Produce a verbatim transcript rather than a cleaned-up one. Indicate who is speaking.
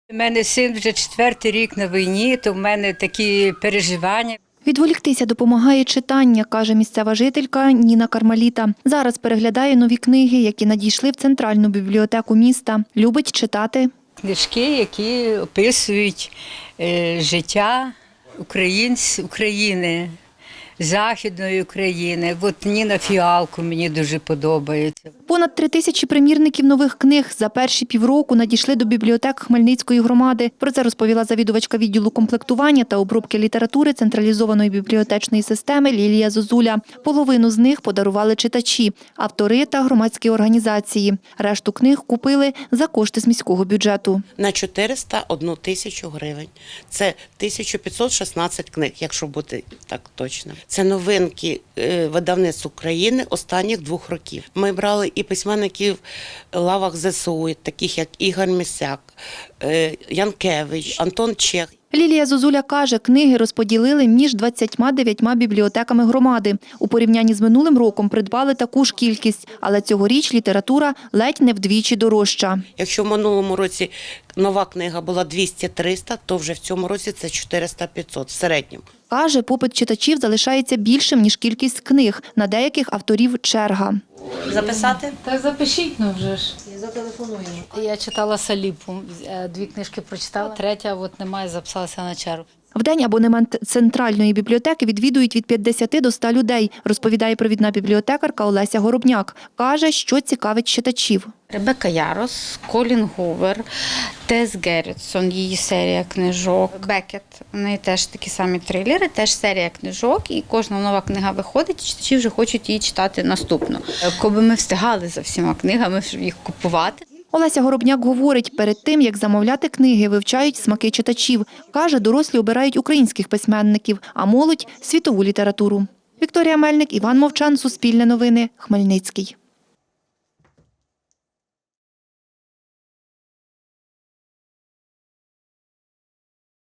Speaker 1: У мене син вже четвертий рік на війні, то в мене такі переживання.
Speaker 2: Відволіктися допомагає читання, каже місцева жителька Ніна Кармаліта. Зараз переглядає нові книги, які надійшли в центральну бібліотеку міста. Любить читати.
Speaker 1: Книжки, які описують е, життя українців, України, Західної України. От Ніна Фіалко мені дуже подобається.
Speaker 2: Понад три тисячі примірників нових книг за перші півроку надійшли до бібліотек Хмельницької громади. Про це розповіла завідувачка відділу комплектування та обробки літератури централізованої бібліотечної системи Лілія Зозуля. Половину з них подарували читачі, автори та громадські організації. Решту книг купили за кошти з міського бюджету.
Speaker 3: На чотириста одну тисячу гривень. Це тисяча п'ятсот шістнадцять книг, якщо бути так точно. Це новинки видавництв України останніх двох років. Ми брали і письменників лавах зе ес у, таких як Ігор Місяк, Янкевич, Антон Чех.
Speaker 2: Лілія Зозуля каже, книги розподілили між двадцятьма дев'ятьма бібліотеками громади. У порівнянні з минулим роком придбали таку ж кількість, але цьогоріч література ледь не вдвічі дорожча.
Speaker 3: Якщо в минулому році нова книга була двісті - триста, то вже в цьому році це чотириста - п'ятсот в середньому.
Speaker 2: Каже, попит читачів залишається більшим, ніж кількість книг. На деяких авторів черга.
Speaker 3: Записати?
Speaker 4: Так запишіть, ну вже ж.
Speaker 3: Зателефонуємо.
Speaker 4: Я читала Саліпу, дві книжки прочитала, третя от немає, записалася на чергу.
Speaker 2: В день абонемент центральної бібліотеки відвідують від п'ятдесяти до ста людей, розповідає провідна бібліотекарка Олеся Горобняк. Каже, що цікавить читачів.
Speaker 5: Ребекка Ярос, Колін Гувер, Тес Геррітсон, її серія книжок, Бекет, у неї теж такі самі трилери, теж серія книжок, і кожна нова книга виходить, і читачі вже хочуть її читати наступну. Коби ми встигали за всіма книгами, щоб їх купувати.
Speaker 2: Олеся Горобняк говорить, перед тим, як замовляти книги, вивчають смаки читачів. Каже, дорослі обирають українських письменників, а молодь – світову літературу. Вікторія Мельник, Іван Мовчан, Суспільне новини, Хмельницький.